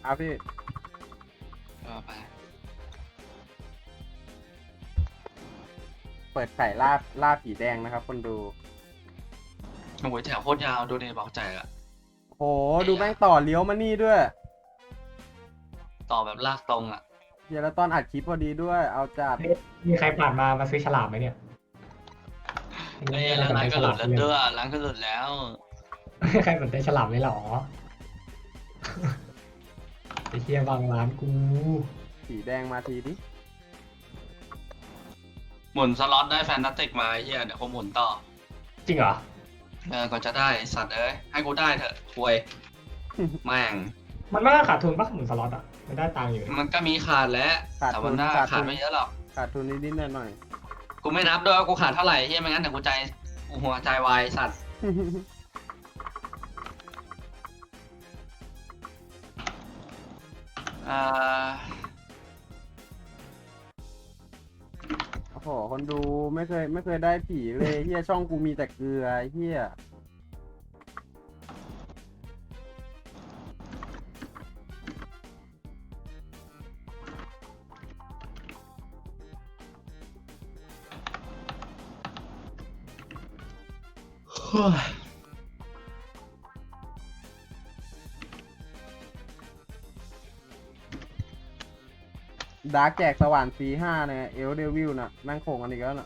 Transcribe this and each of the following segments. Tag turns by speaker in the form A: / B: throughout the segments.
A: เอาพี่
B: ก็ไป
A: เปิดไข่ล่าผีแดงนะครับคนดู
B: โอ้ยแถวโคตรยาวดูดิบอกใจอะ
A: โหดูแม่งต่อเลี้ยวมานี่ด้วย
B: ต่อแบบลากตรงอะ
A: เดี๋ยวแล้วตอนอัดคลิปพอดีด้วย เอาจัด
C: มีใครผ่านมาซื้อฉลามไหมเนี่ย
B: ไอ้ยร้านก็หลุดแล้วด้วยร้านก็หลุดแล้ว
C: ใครสนใจฉลามเลยเหรอไอ้เฮียบางร้านกู
A: ผีแดงมาทีดิ
B: หมุนสล็อตได้แฟนตาติกมาไอ้เฮียเดี๋ยวกูหมุนต่อ
C: จริงเหรอ
B: ก่อนจะได้สัตว์เอ้ยให้กูได้เถอะควย แม่ง
C: มันไม่ได้ขาดทุนปะหมุนสล็อตอ่ะมันได้ตังค์อยู่
B: มันก็มีขาดแล้ว
A: ขาด
B: แต่
A: ทุ
B: มัน
A: น
B: น่า
A: ขาด
B: ขา
A: ทุ
B: ด
A: น
B: ไม่เยอะหรอก
A: ขาดทุนนิดๆหน่อย
B: กูไม่นับด้วยว่ากูขาดเท่าไหร่เฮียไม่งั้นเดี๋ยวกูใจกูหัวใจวายสัตว์ อ่า
A: ๆ โอ้โหคนดูไม่เคยได้ผีเลยเฮียช่องกูมีแต่เกลือเฮีย ดาร์กแจกสว่านC5เนี่ยเอลเดวิลน่ะแม่งโขงกันอีกแล้วน่ะ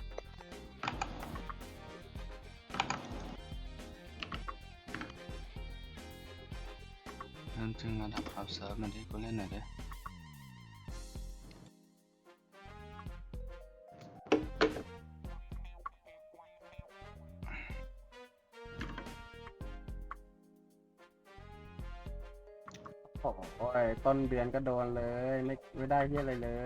B: นั่นจึงระดับขับเซิร์ฟมันที่กูเล่นหน่อยดิ
A: โอ้ยต้นเดือนก็โดนเลยไม่ได้เฮียอะไรเลย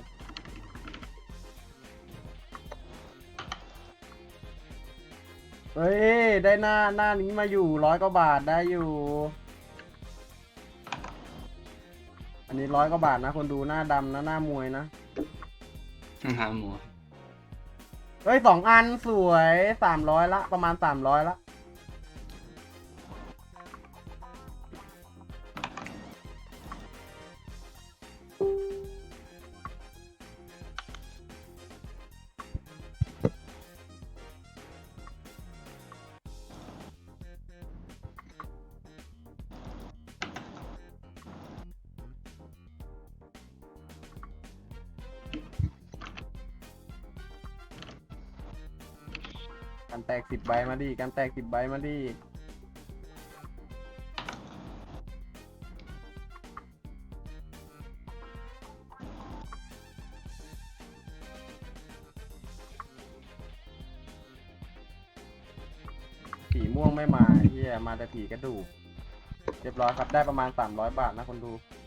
A: เฮ้ย ได้หน้านี้มาอยู่100 กว่าบาทได้อยู่ อันนี้100 กว่าบาทนะคนดูหน้าดำนะหน้ามวยนะ
B: หาหมู
A: เฮ้ย2 อันสวย300ละประมาณ300ละกันแตก10 ใบมาดิกันแตก10 ใบมาดิผีม่วงไม่มาเฮียมาแต่ผีกระดูกเรียบร้อยครับได้ประมาณ300 บาทนะคนดู